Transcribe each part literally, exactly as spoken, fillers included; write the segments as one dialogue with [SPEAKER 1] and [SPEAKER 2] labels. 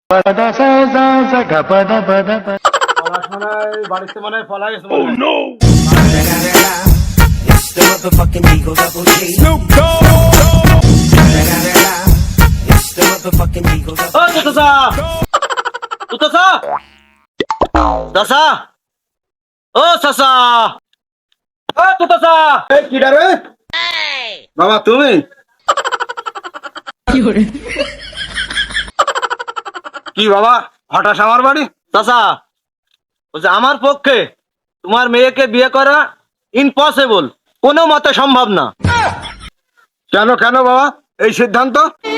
[SPEAKER 1] পড়াশোনায় বাড়িতে মনে হয় পলাই গেছে মনে হয়।
[SPEAKER 2] It's the motherfucking Eagle Double G. It's the motherfucking Eagle Double
[SPEAKER 3] ও তুতসা তুতসা দাসা ও সাসা ও তুতসা
[SPEAKER 1] এই কিডা রে বাবা তুমি কি বাবা হঠাৎ আমার বাড়ি?
[SPEAKER 3] চাচা বলছে আমার পক্ষে তোমার মেয়েকে বিয়ে করা ইম্পসিবল, কোনো মতে সম্ভব না।
[SPEAKER 1] কেন কেন বাবা এই সিদ্ধান্ত?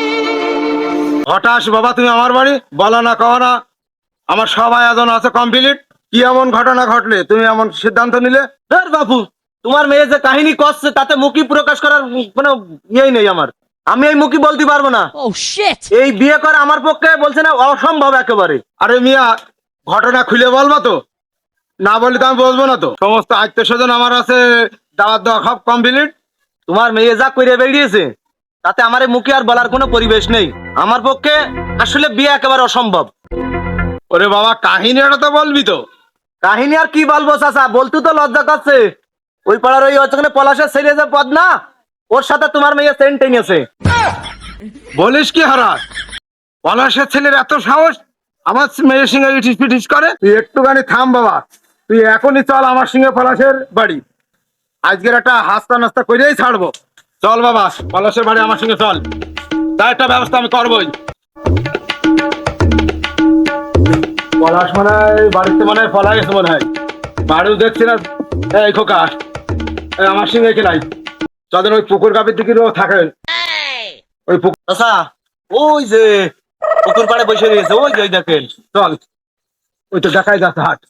[SPEAKER 1] হঠাৎ বাবা তুমি আমার বাড়ি বলা না কওয়া না, আমার সব আয়োজন আছে কমপ্লিট, কি এমন ঘটনা ঘটলে তুমি এমন সিদ্ধান্ত নিলে?
[SPEAKER 3] ধর বাপু, তোমার মেয়ে যে কাহিনী করছে তাতে মুখী প্রকাশ করার কোনো ইয়েই নেই আমার, আমি এই মুখী বলতে পারবো না।
[SPEAKER 4] Oh shit!
[SPEAKER 3] এই বিয়ে করা আমার পক্ষে বলছে না অসম্ভব একেবারে।
[SPEAKER 1] আরে মিয়া ঘটনা খুলে বলবা তো, না বললে তো আমি বলবো না তো। সমস্ত আত্মীয় স্বজন আমার আছে, দাওয়াত দেওয়া সব কমপ্লিট।
[SPEAKER 3] তোমার মেয়ে যা করে বেরিয়েছে তাতে আমার এই মুখে আর বলার কোনো পরিবেশ নেই, আমার পক্ষে আসলে বিয়ে একেবারে অসম্ভব।
[SPEAKER 1] ওরে বাবা কাহিনীটা তো বলবি তো।
[SPEAKER 3] কাহিনী আর কি বলবো চাচা, বলতে তো লজ্জা করছে। ওই পাড়ার ওই ওখানে পলাশের ছেলে যে পদ না, ওর সাথে তোমার মেয়ে সেন্ট টেনেছে।
[SPEAKER 1] বলিস কি হারাস, পলাশের ছেলের এত সাহস আমার মেয়ের সঙ্গে ইটিস পিটিস করে? তুই একটুখানি থাম বাবা, তুই এখনই চল আমার সঙ্গে পলাশের বাড়ি, আজকের একটা হাস্তা নাস্তা করেই ছাড়বো। চল বাবা পলাশের বাড়ি আমার সঙ্গে চল, তার একটা ব্যবস্থা আমি করবোই। পলাশ মনে হয় বাড়িতে মনে হয় পলা গেছে মনে হয়, বাড়িও দেখছি না। এই খোকা এই আমার সঙ্গে খেলাই, যাদের ওই পুকুর গাভীর দিকে থাকে ওই পুকুর।
[SPEAKER 3] চাচা ওই যে পুকুর পাড়ে বসে রয়েছে, ওই যে ওই দেখেন।
[SPEAKER 1] চল ওই তো দেখাই যাচ্ছে হাট।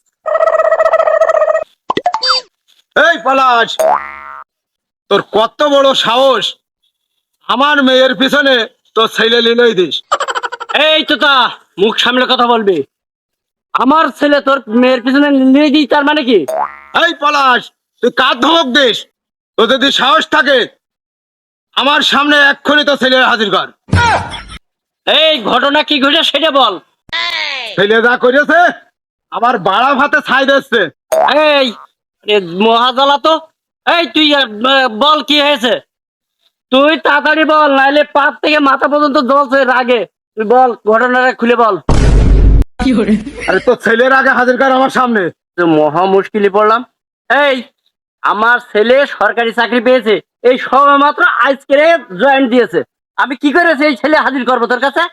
[SPEAKER 1] এই পলাশ, তোর কত বড় সাহস, আমার মেয়ের পিছনে তোর ছেলে লিলই দিস?
[SPEAKER 5] এই তোতা মুখ সামলে কথা বলবি, আমার ছেলে তোর মেয়ের পিছনে নিয়ে দিই তার মানে কি?
[SPEAKER 1] এই পলাশ তুই কার ধমক দিস? তোর যদি সাহস থাকে আমার সামনে এক্ষুনি তো ছেলে হাজির কর।
[SPEAKER 5] এই ঘটনা কি ঘটে সেটা বল।
[SPEAKER 1] ছেলে যা করেছে আমার বাড়া ভাতে ছাই দিচ্ছে।
[SPEAKER 5] এই এ মহাজালা তো, এই তুই আহ, বল কি হয়েছে, তুই তাড়াতাড়ি বল, নাইলে পাপ থেকে মাথা পর্যন্ত জ্বলছে রাগে। তুই বল ঘটনাটা খুলে বল।
[SPEAKER 1] আরে তোর ছেলের আগে হাজির কর আমার সামনে।
[SPEAKER 5] তো মহা মুশকিলে পড়লাম। এই আমার ছেলে সরকারি চাকরি পেয়েছে, এই সবে মাত্র আজকে জয়েন দিয়েছে, আমি কি করেছি এই ছেলে হাজির করবো তোর কাছে?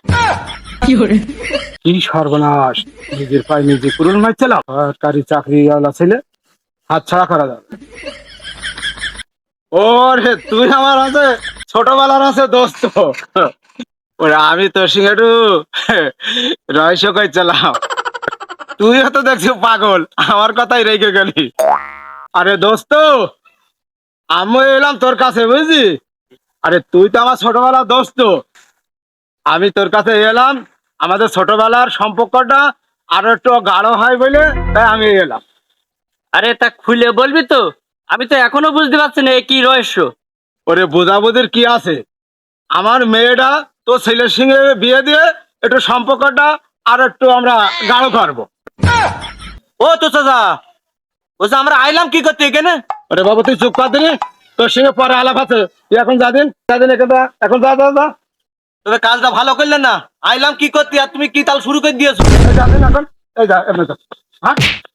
[SPEAKER 1] কি সর্বনাশ, নিজের পায়ে নিজে কুরুল মারছিলাম। সরকারি চাকরিওয়ালা ছেলে হাত ছাড়া করা যাবে? ওরে তুই আমার আছে ছোটবেলার আছে দোস্ত, ওরে আমি তোর সঙ্গে একটু রহস্য করছিলাম, তুইও তো দেখছি পাগল, আমার কথাই রেখে গেলি। আরে দোস্ত আমি এলাম তোর কাছে বুঝলি, আরে তুই তো আমার ছোটবেলার দোস্ত, আমি তোর কাছে এলাম আমাদের ছোটবেলার সম্পর্কটা আরো একটু গাঢ় হয় বলে তাই আমি এলাম।
[SPEAKER 5] আরে তা খুলে বলবি তো, আমি তো এখনো বুঝতে পারছি না এ কি রহস্য।
[SPEAKER 1] ওরে বোঝাবুঝির কি আছে, আমার মেয়েটা তো ছেলের সঙ্গে বিয়ে দিয়ে একটু সম্পর্কটা আর একটু আমরা গাঢ় করবো।
[SPEAKER 3] ও তো চাচা বলছে আমরা আইলাম কি করতে এখানে?
[SPEAKER 1] ওরে বাবু তুই চুপ কর দিনি, তোর সঙ্গে পরে আলাপ আছে, তুই এখন যা দিন যা দিন এখান থেকে, এখন যা যা যা
[SPEAKER 3] তবে কাজটা ভালো করলেন না, আইলাম কি করতে আর তুমি কি তাল শুরু করে দিয়েছো?
[SPEAKER 1] এই যা দিন এখন, এই যা এমনি যা। হ্যাঁ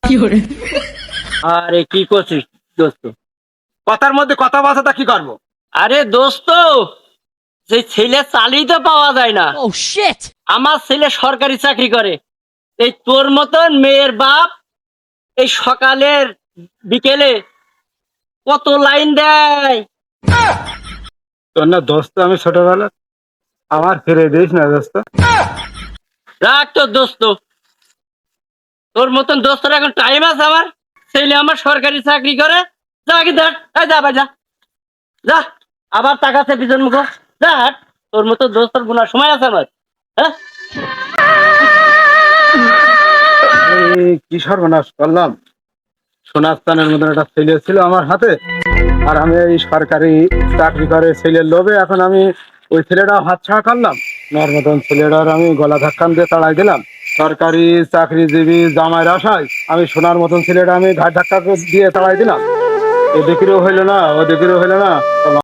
[SPEAKER 5] আরে কি করছিস দোস্ত?
[SPEAKER 1] কথার মধ্যে কথা বাঁচাটা কি করবো?
[SPEAKER 5] আরে দোস্ত সেই ছেলে চালিয়ে তো পাওয়া যায় না।
[SPEAKER 4] Oh shit!
[SPEAKER 5] আমার ছেলে সরকারি চাকরি করে, এই তোর মতন মেয়ের বাপ এই সকালের বিকেলে কত লাইন দেয়।
[SPEAKER 1] তোর না দোস্ত আমি ছোটবেলা, আমার ফিরে দিস না দোস্ত।
[SPEAKER 5] রাখ তোর দোস্ত, তোর মতন দোস্তর এখন টাইম আছে? আমার ছেলে আমার সরকারি চাকরি করে, যা আগে দেখ, এই যা ভাই যা যা, আবার তাকাচ্ছে পিছন মুখ, যা হাট। তোর মতো দোস্তর গুনার সময় আছে আমার? হ্যাঁ
[SPEAKER 1] এই কি সর্বনাশ করলাম, সোনাস্তানের মতন একটা ছেলে ছিল আমার হাতে, আর আমি এই সরকারি চাকরি করে ছেলের লোভে এখন আমি ওই ছেলেটাও হাত ছাড়া করলাম। আপনার মতন ছেলেটার আমি গলা ধাক্কান দিয়ে তাড়াই দিলাম। সরকারি চাকরিজীবী জামাইয়ের আশায় আমি সোনার মতন ছেলেটা আমি ঘাট ধাক্কা দিয়ে তাড়াই দিলাম। এদিকেরও হইলো না, ওদিকেরও হইলো না।